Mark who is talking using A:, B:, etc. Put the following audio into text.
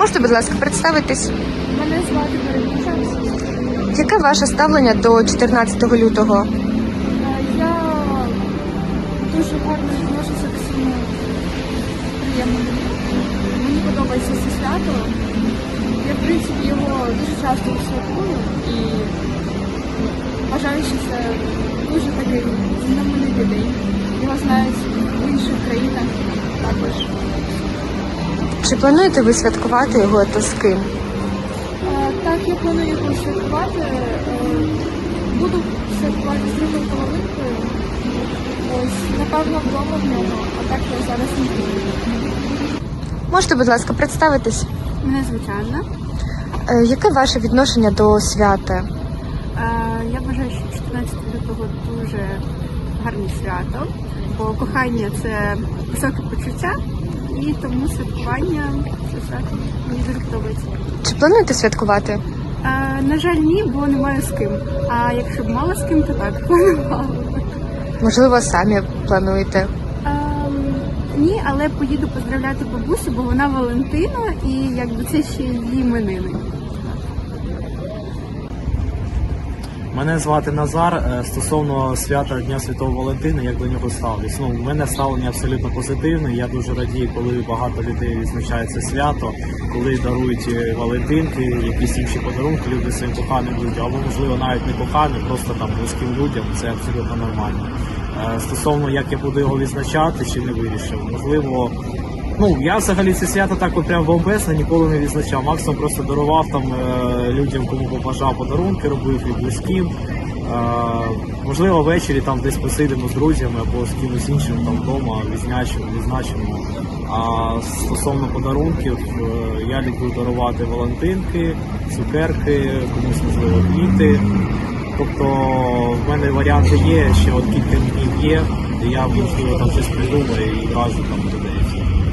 A: Можете, будь ласка, представитись?
B: Мене звати Марина.
A: Яке ваше ставлення до 14 лютого?
B: Я дуже гарно відношуся до всьому приємному. Мені подобається це свято. Я, в принципі, його дуже часто святкую і вважаю, що це дуже такий знаменитий день. Його знають в інших країнах також.
A: Чи плануєте ви святкувати його та з ким?
B: Так, я планую його святкувати. Буду святкувати з другою половинкою. Ось, напевно, вдома в нього, а так я зараз не буду.
A: Можете, будь ласка, представитись?
B: Мене звуть Анна.
A: Яке ваше відношення до свята?
B: Я вважаю, що 14 лютого дуже гарне свято, бо кохання – це високе почуття, і тому святкування – це свято. Мені дуже подобається.
A: Чи плануєте святкувати?
B: На жаль, ні, бо немає з ким. А якщо б мала з ким, то так, планувала.
A: Можливо, самі плануєте?
B: Ні, але поїду поздравляти бабусю, бо вона Валентина, і якби це ще її іменини.
C: Мене звати Назар. Стосовно свята Дня Святого Валентина, як до нього ставлюсь. У мене ставлення абсолютно позитивне. Я дуже радію, коли багато людей відзначає це свято, коли дарують валентинки, якісь інші подарунки люди своїм коханим людям, або, можливо, навіть не коханим, просто там близьким людям. Це абсолютно нормально. Стосовно, як я буду його відзначати, чи не вирішив. Можливо, я взагалі це свято так от прям бомбезно ніколи не відзначав. Максимум просто дарував там людям, кому побажав, подарунки, робив і близьким. Можливо, ввечері там десь посидимо з друзями або з кимось іншим там вдома, відзначимо. А стосовно подарунків, я люблю дарувати валентинки, цукерки, комусь, можливо, квіти. Тобто в мене варіанти є, ще от кілька днів є, і я, можливо, там щось придумаю і кажу там людей.